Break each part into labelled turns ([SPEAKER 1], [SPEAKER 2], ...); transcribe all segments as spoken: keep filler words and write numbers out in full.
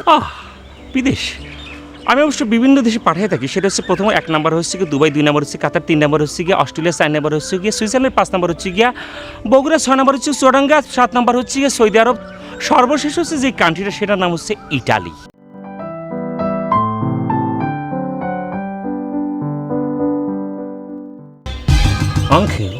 [SPEAKER 1] আহ বিদেশ আমি অবশ্য বিভিন্ন দেশে পাঠিয়ে থাকি। সেটা হচ্ছে প্রথম এক নাম্বার হচ্ছে গিয়ে দুবাই, দুই নাম্বার হচ্ছে কাতার, তিন নাম্বার হচ্ছে গিয়ে অস্ট্রেলিয়া, চার নাম্বার হচ্ছে গিয়ে সুইজারল্যান্ড, পাঁচ নাম্বার হচ্ছে গিয়া বগুড়া, ছয় নাম্বার হচ্ছে চুয়াডাঙ্গা, সাত নাম্বার হচ্ছে গিয়ে সৌদি আরব, সর্বশেষ হচ্ছে যে কান্ট্রিটা সেটার নাম হচ্ছে ইটালি। আঙ্কেল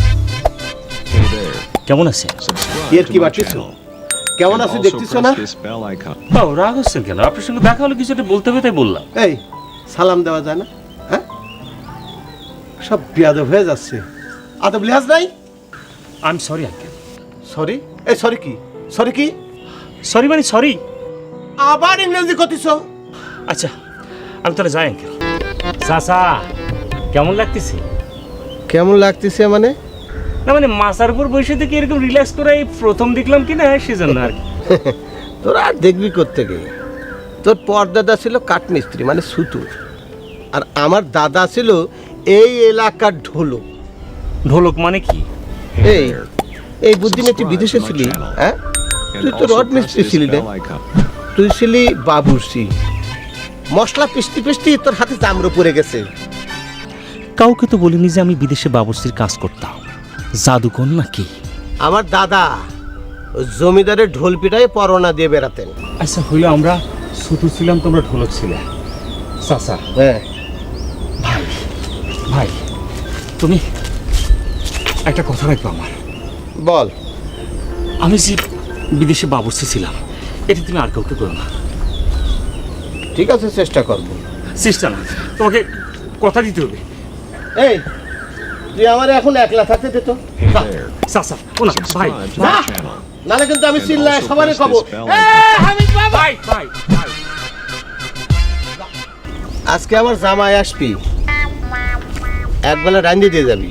[SPEAKER 1] কেমন আছে?
[SPEAKER 2] এর কি বাড়ছিস? কেমন আছিস দেখছিস না?
[SPEAKER 1] বাবু রাগ হচ্ছেন কেন? আপনার সঙ্গে দেখা হলে কিছু একটা বলতে হবে তাই বললাম।
[SPEAKER 2] এই সালাম দেওয়া যায় না? হ্যাঁ, সব বিয়াদব হয়ে যাচ্ছে। আদব লিহাজ নাই।
[SPEAKER 1] I am sorry uncle.
[SPEAKER 2] Sorry? এই সরি কি? সরি কি?
[SPEAKER 1] সরি মানে সরি।
[SPEAKER 2] আবার ইংরেজি কতিস?
[SPEAKER 1] আচ্ছা আমি তাহলে যাই আঙ্কেল। চাচা কেমন লাগতেছে?
[SPEAKER 2] কেমন লাগতেছে মানে?
[SPEAKER 1] না মানে মাথার উপর বসে থেকে এরকম রিল্যাক্স করে এই প্রথম দেখলাম কি না সেজন্য আর কি।
[SPEAKER 2] তোরা আর দেখবি কোত্থেকে? তোর পরদাদা ছিল কাঠমিস্ত্রি মানে সুতুর, আর আমার দাদা ছিল এই এলাকার ঢোলক।
[SPEAKER 1] ঢোলক মানে কি?
[SPEAKER 2] এই এই বুদ্ধি নিয়ে তুই বিদেশে ছিলি? হ্যাঁ, তুই তো রড মিস্ত্রি ছিলি না, তুই ছিলি বাবুর্চি। মশলা পিস্তি পিস্তি তোর হাতে চামড়ো পড়ে গেছে।
[SPEAKER 1] কাউকে তো বলিনি যে আমি বিদেশে বাবুর্চির কাজ করতাম। জাদুকর নাকি?
[SPEAKER 2] আমার দাদা জমিদারের ঢোল পিটায় পরোনা দিয়ে বেড়াতেন।
[SPEAKER 1] আচ্ছা হইলো আমরা সুতু ছিলাম, তোমরা ঢোলক ছিলে। চাচা
[SPEAKER 2] হ্যাঁ
[SPEAKER 1] ভাই ভাই তুমি একটা কথা রাখবো আমার।
[SPEAKER 2] বল।
[SPEAKER 1] আমি যে বিদেশে বাবুর্চি ছিলাম এটা তুমি আর কাউকে করো না।
[SPEAKER 2] ঠিক আছে, চেষ্টা করবো।
[SPEAKER 1] চেষ্টা না, তোমাকে কথা দিতে হবে।
[SPEAKER 2] এই তুই আমার এখন একলা থাকতে দে তো।
[SPEAKER 1] চাচা ও না ভাই,
[SPEAKER 2] নাহলে কিন্তু আমি চিল্লায় সবারই কব
[SPEAKER 1] ভাই ভাই ভাই।
[SPEAKER 2] আজকে আমার জামাই আসবি, একবেলা রান্দি দিয়ে যাবি।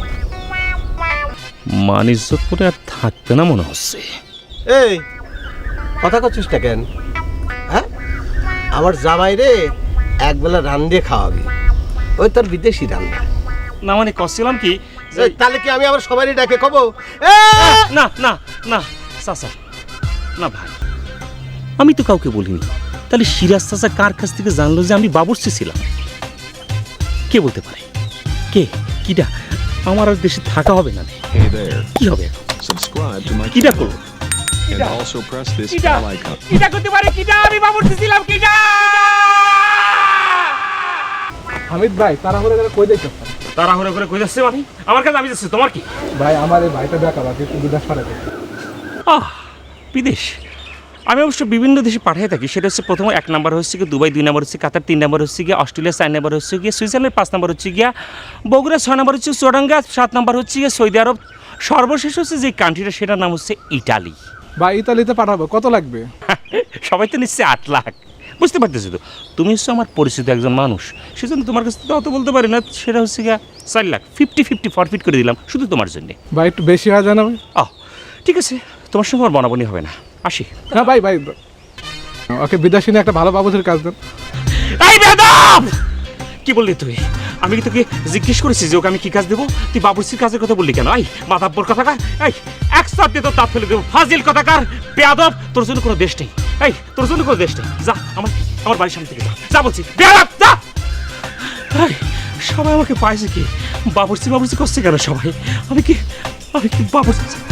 [SPEAKER 1] মান ইজ্জত করে আর থাকবে না মনে হচ্ছে।
[SPEAKER 2] এই কথা করছিস না কেন? হ্যাঁ, আমার জামাই রে একবেলা রান্ধে খাওয়াবি, ওই তোর বিদেশি রান্না।
[SPEAKER 1] না মানে কছিলাম কি
[SPEAKER 2] তাহলে কি আমি আবার সবারই ডাকে কব
[SPEAKER 1] না না না চাচা না ভাই, আমি তো কাউকে বলিনি। তাহলে সিরাজ চাচা কার কাছ থেকে জানলো যে আমি বাবুর্চি ছিলাম? কে বলতে পারে? কে কিটা? আমার আর দেশে থাকা হবে না। কি হবে কিটা করবো? কিটা করতে পারে? কিটা আমি বাবুর্চি ছিলাম? কিটা?
[SPEAKER 3] হামিদ ভাই তাড়াহুড়ো করে কই যাইছ?
[SPEAKER 1] তাড়াহুড়ো করে কই যাচ্ছে মানে? আমার কাছে আমি যাচ্ছি, তোমার কি?
[SPEAKER 3] ভাই আমার এই ভাইটা দেখা বাকি একটু বিদেশ পাঠাতে।
[SPEAKER 1] আহ বিদেশ আমি অবশ্য বিভিন্ন দেশে পাঠিয়ে থাকি। সেটা হচ্ছে প্রথম এক নাম্বার হচ্ছে গিয়ে দুবাই, দুই নাম্বার হচ্ছে কাতার, তিন নাম্বার হচ্ছে গিয়ে অস্ট্রেলিয়া, চার নাম্বার হচ্ছে গিয়ে সুইজারল্যান্ড, পাঁচ নাম্বার হচ্ছে গিয়া বগুড়া, ছয় নাম্বার হচ্ছে চুয়াডাঙ্গা, সাত নাম্বার হচ্ছে গিয়ে সৌদি আরব, সর্বশেষ হচ্ছে যে কান্ট্রিটা সেটার নাম হচ্ছে ইটালি।
[SPEAKER 3] ভাই ইতালিতে পাঠাবো, কত লাগবে?
[SPEAKER 1] সবাই তো নিশ্চয়ই আট লাখ। বুঝতে পারতেছি তো, তুমি হচ্ছে আমার পরিচিত একজন মানুষ, সেজন্য তোমার কাছে তো অত বলতে পারি না। সেটা হচ্ছে গিয়া চার লাখ ফিফটি ফিফটি ফরফিট করে দিলাম শুধু তোমার জন্যে।
[SPEAKER 3] ভাই একটু বেশি হয়ে যায় না ভাই?
[SPEAKER 1] আহ ঠিক আছে, তোমার সঙ্গে আমার বনাবনি হবে না, আসি।
[SPEAKER 3] না ভাই ভাই ওকে বিদেশি নিয়ে একটা ভালো বাবুদের কাজ দেন।
[SPEAKER 1] এই বেদব কি বললি তুই? আমি কি তোকে জিজ্ঞেস করেছি যে ওকে আমি কি কাজ দেবো? তুই বাবুর্চির কাজের কথা বললি কেন? এই মাদাব্বর কথাকার, এই এক সাথ দিয়ে তোর দাঁত ফেলে দেবো। ফাজিল কথাকার, বেয়াদব, তোর জন্য কোনো দেশ নেই। এই তোর জন্য কোনো দেশ নেই। যা আমার আমার বাড়ির সামনে থেকে যা, যা বলছি, বেয়াদব যা। এই সবাই আমাকে পাইছে কি? বাবুর্চি বাবুর্চি করছে কেন সবাই? আমি কি আমি কি বাবুর্চি